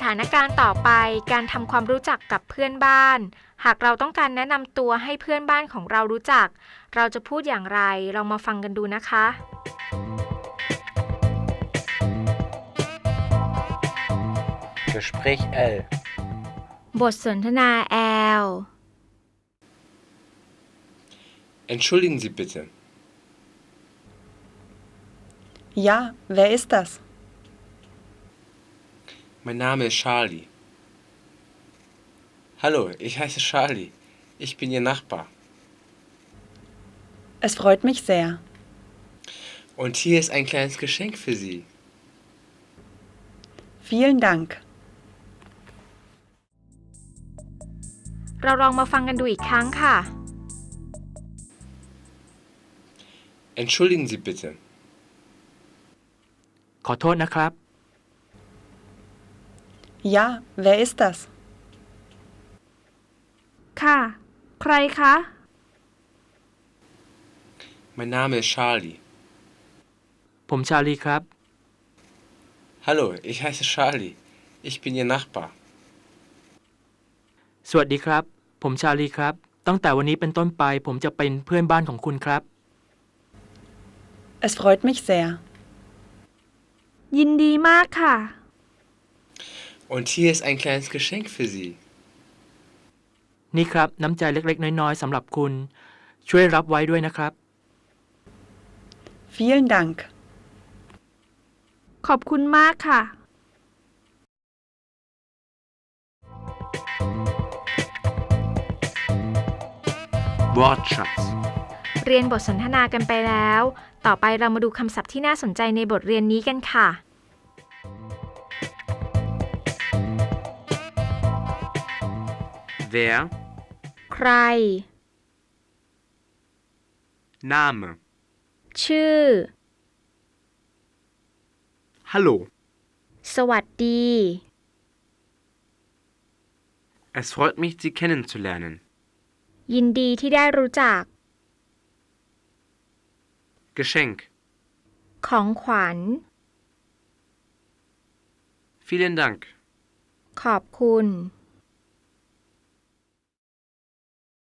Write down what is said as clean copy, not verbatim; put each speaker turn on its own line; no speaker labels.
ถานการณ์ต่อไปการทำความรู้จักกับเพื่อนบ้านหากเราต้องการแนะนำตัวให้เพื่อนบ้านของเรารู้จักเราจะพูดอย่างไรลองมาฟังกันดูนะคะ
Gespräch L
บทสนทนา L
Entschuldigen Sie bitte.
Ja, wer ist das?
Mein Name ist Charlie. Hallo, ich heiße Charlie. Ich bin Ihr Nachbar.
Es freut mich sehr.
Und hier ist ein kleines Geschenk für Sie.
Vielen Dank.
เราลองมาฟังกันดูอีกครั้งค่ะ
Entschuldigen Sie bitte.
ขอโทษนะครับ
Ja, wer ist das?
ค่ะ ใครคะ
Mein Name ist Charlie.
ผมชาลีครับ
Hallo, ich heiße Charlie. Ich bin Ihr Nachbar.
สวัสดีครับ ผมชาลีครับ ตั้งแต่วันนี้เป็นต้นไปผมจะเป็นเพื่อนบ้านของคุณครับ
Es freut mich sehr.
ยินดีมากค่ะ
Und hier ist ein kleines Geschenk für Sie.
นี่ครับน้ำใจเล็กๆน้อยๆสำหรับคุณ ช่วยรับไว้ด้วยนะครับ
Vielen Dank.
ขอบคุณมากค่ะ
Wortschatz
เรียนบทสนทนากันไปแล้ว ต่อไปเรามาดูคำศัพท์ที่น่าสนใจในบทเรียนนี้กันค่ะ
Wer
ใคร
Name
ชื่อ
Hallo
สวัสดี
Es freut mich, Sie kennenzulernen.
ยินดีที่ได้รู้จัก
Geschenk
ของขวัญ
Vielen Dank.
ขอบคุณ